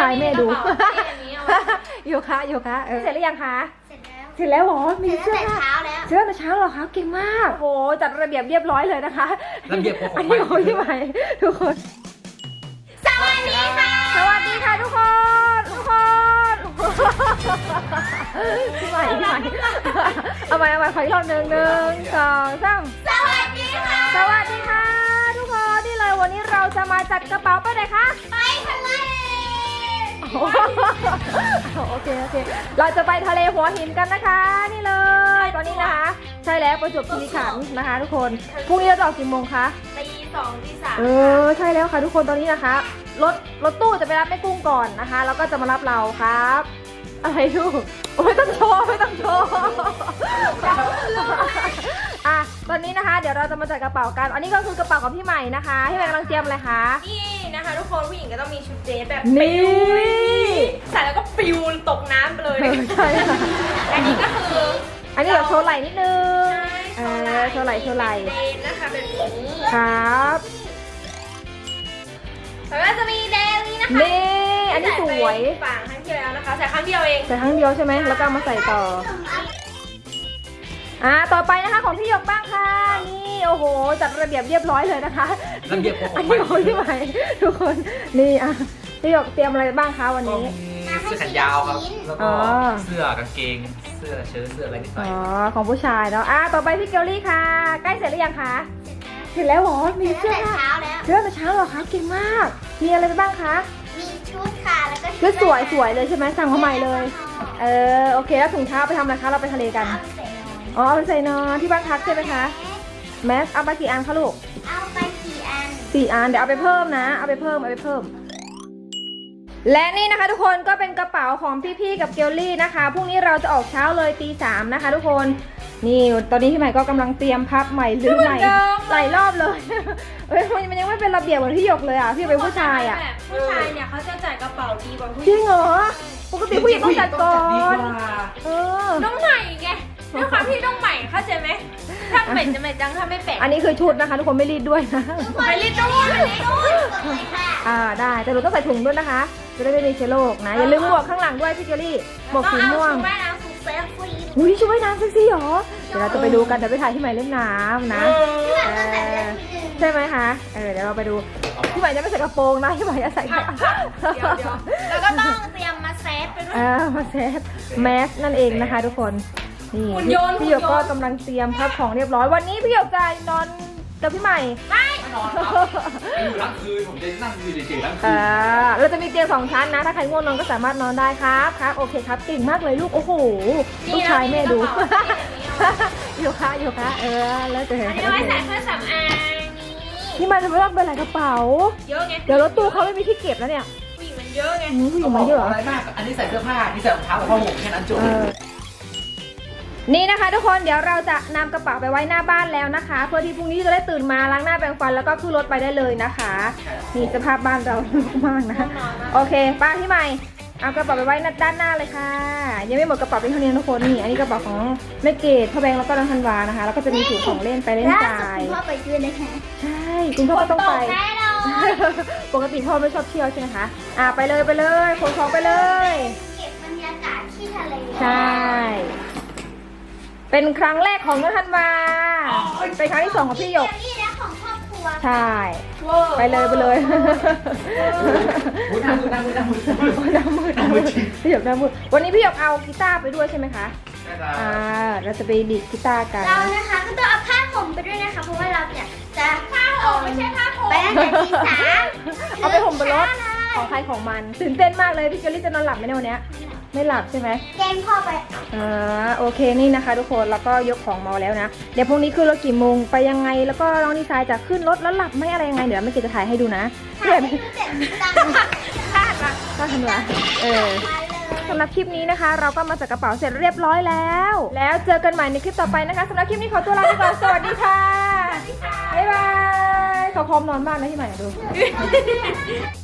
ายแม่ดูโยคะเสร็จหรือยังคะเสร็จแล้วเหรอมีเสื้อผ้าเสื้อแต่เช้าเหรอคะเก่งมากโอ้จัดระเบียบเรียบร้อยเลยนะคะระเบียบของอันนี้ของพี่ใหม่ทุกคนสวัสดีค่ะทุกคนพี่ใหม่เอาใหม่ขออีกรอบหนึ่ง2 3 สวัสดีค่ะทุกคนนี่เลยวันนี้เราจะมาจัดกระเป๋าไปไหนคะไปทะเลโอเคเราจะไปทะเลหัวหินกันนะคะนี่เลยตอนนี้นะคะใช่แล้วประจวบคีรีขันธ์นะคะทุกคนพรุ่งนี้เราจะออกกี่โมงคะตี 2 ตี 3 ใช่แล้วค่ะทุกคนตอนนี้นะคะรถตู้จะไปรับแม่กุ้งก่อนนะคะแล้วก็จะมารับเราครับอะไรลูกไม่ต้องโชว์อ่ะตอนนี้นะคะเดี๋ยวเราจะมาจัดกระเป๋ากันอันนี้ก็คือกระเป๋าของพี่ใหม่นะคะพี่ใหม่กำลังเตรียมอะไรคะนี่นะคะทุกคนผู้หญิงก็ต้องมีชุดเดรสแบบนี่ใส่แล้วก็ปิวตกน้ำไปเลยใช่ค่ะอันนี้ก็คืออันนี้แบบโชว์ไหล่นิดนึงโชว์ไหล่เดรสนะคะแบบนี้ครับแล้วก็จะมีแดงนี้นะคะนี่อันนี้สวยฝั่งครั้งที่แล้วนะคะใส่ครั้งเดียวเองใส่ครั้งเดียวใช่ไหมแล้วก็มาใส่ต่อต่อไปนะคะของพี่หยกบ้างค่ะนี่โอ้โหจัดระเบียบเรียบร้อยเลยนะคะระเบียบของอันนี้ของพี่ใหม่ทุกคนนี่พี่หยกเตรียมอะไรบ้างคะวันนี้เสื้อแขนยาวครับแล้วก็เสื้อกางเกงเสื้อเชิ้ตเสื้ออะไรนิดหน่อยของผู้ชายเนาะต่อไปพี่เกลลี่ค่ะใกล้เสร็จหรือยังคะเสร็จแล้วเหรอมีเสื้อแต่เช้าแล้วเสื้อแต่เช้าเหรอคะเก่งมากมีอะไรไปบ้างคะมีชุดค่ะแล้วก็ชุดสวยเลยใช่ไหมสั่งมาใหม่เลยโอเคแล้วถุงเท้าไปทำอะไรคะเราไปทะเลกันเอาไปใส่นอนที่บ้านพักใช่ไหมคะแมสเอาไปกี่อันคะลูกเอาไป4 อันเดี๋ยวเอาไปเพิ่มนะเอาไปเพิ่มและนี่นะคะทุกคนก็เป็นกระเป๋าของพี่ๆกับเกลลี่นะคะพรุ่งนี้เราจะออกเช้าเลยตี 3นะคะทุกคนนี่ตอนนี้พี่ใหม่ก็กำลังเตรียมพับใหม่รื้อใหม่หลายรอบเลยมันยังไม่เป็นระเบียบเหมือนที่หยกเลยพี่เป็นผู้ชายผู้ชายเนี่ยเขาจะจัดกระเป๋าดีกว่าผู้หญิงจริงเหรอปกติผู้หญิงต้องจัดก่อนน้องใหม่ไงด้วยความที่น้องใหม่เข้าใจไหมถ้าเป็ดจะไม่จังถ้าไม่เป็ดอันนี้คือชุดนะคะทุกคนไม่รีดด้วยนะไม่รีดด้วยได้แต่เราต้องใส่ถุงด้วยนะคะจะได้ไม่มีเชื้อโรคนะอย่าลืมหมวกข้างหลังด้วยพี่เกลลี่หมวกสีม่วงชุดว่ายน้ำเซ็กซี่หรอเดี๋ยวเราจะไปดูกันเดี๋ยวไปถ่ายที่ใหม่เล่นน้ำนะใช่ไหมคะเดี๋ยวเราไปดูพี่ใหม่จะไม่ใส่กระโปรงนะพี่ใหม่จะใส่แล้วก็ต้องเตรียมมาเซตไปด้วยมาเซตแมสนั่นเองนะคะทุกคนนี่พี่หยกก็กำลังเตรียมพับของเรียบร้อยวันนี้พี่หยกจะนอนกับพี่ใหม่ไม่นอนครับอยู่ทั้งคืนผมจะนั่งอยู่เฉยๆทั้งคืนเราจะมีเตียง2 ชั้นนะถ้าใครง่วงนอนก็สามารถนอนได้ครับโอเคครับเก่งมากเลยลูกโอ้โหลูกชายแม่ดูโยคะแล้วจะเห็นอันนี้ไว้ใส่เครื่องสำอางนี่มันจะไม่ต้องเป็นอะไรกระเป๋าเยอะไงเดี๋ยวรถตู้เขาไม่มีที่เก็บแล้วเนี่ยผู้หญิงมันเยอะไงผู้หญิงมันเยอะอะไรมากอันนี้ใส่เสื้อผ้านี่ใส่รองเท้ากับผ้าห่มแค่นั้นจบนี่นะคะทุกคนเดี๋ยวเราจะนำกระเป๋าไปไว้หน้าบ้านแล้วนะคะเพื่อที่พรุ่งนี้จะได้ตื่นมาล้างหน้าแปรงฟันแล้วก็ขึ้นรถไปได้เลยนะคะนี่สภาพบ้านเราลุกมากนะโอเคป้าพี่ใหม่เอากระเป๋าไปไว้ด้านหน้าเลยค่ะยังไม่หมดกระเป๋าเป็นเท่านี้ทุกคนนี่อันนี้กระเป๋าของแม่เกดพ่อแบงค์แล้วก็น้องธันวานะคะแล้วก็จะมีถุงของเล่นไปเล่นจ่ายคุณพ่อไปด้วยนะคะใช่คุณพ่อก็ต้องไปปกติพ่อไม่ชอบเที่ยวใช่ไหมคะไปเลยขนของไปเลยเก็บบรรยากาศที่ทะเลใช่เป็นครั้งแรกของน้องธันวาเป็นครั้งที่2ของพี่หยกนี่นะของครอบครัวใช่ไปเลยพี่หยกหน้ามืดวันนี้พี่หยกเอากีตาร์ไปด้วยใช่ไหมคะเราจะไปดีดกีตาร์กันเรานะคะก็ต้องเอาผ้าห่มไปด้วยนะคะเพราะว่าเราเนี่ยจะผ้าห่มไม่ใช่ผ้าห่มไปตั้งแต่ตี 3 เอาไปห่มบนรถของใครของมันตื่นเต้นมากเลยพี่เกลลี่จะนอนหลับไหมในวันนี้ไม่หลับใช่ไหมแกงพ่อไปโอเคนี่นะคะทุกคนแล้วก็ยกของมาแล้วนะเดี๋ยวพรุ่งนี้ขึ้นรถกี่โมงไปยังไงแล้วก็น้องดีไซน์จะขึ้นรถแล้วหลับไม่อะไรยังไงเดี๋ยวไม่เกจะถ่ายให้ดูนะเดี๋ยวก็ทำละสำหรับคลิปนี้นะคะเราก็มาจัดกระเป๋าเสร็จเรียบร้อยแล้วเจอกันใหม่ในคลิปต่อไปนะคะสำหรับคลิปนี้ขอตัวลาไปก่อนสวัสดีค่ะบ๊ายบายเขาพร้อมนอนบ้างนะที่ใหม่ดู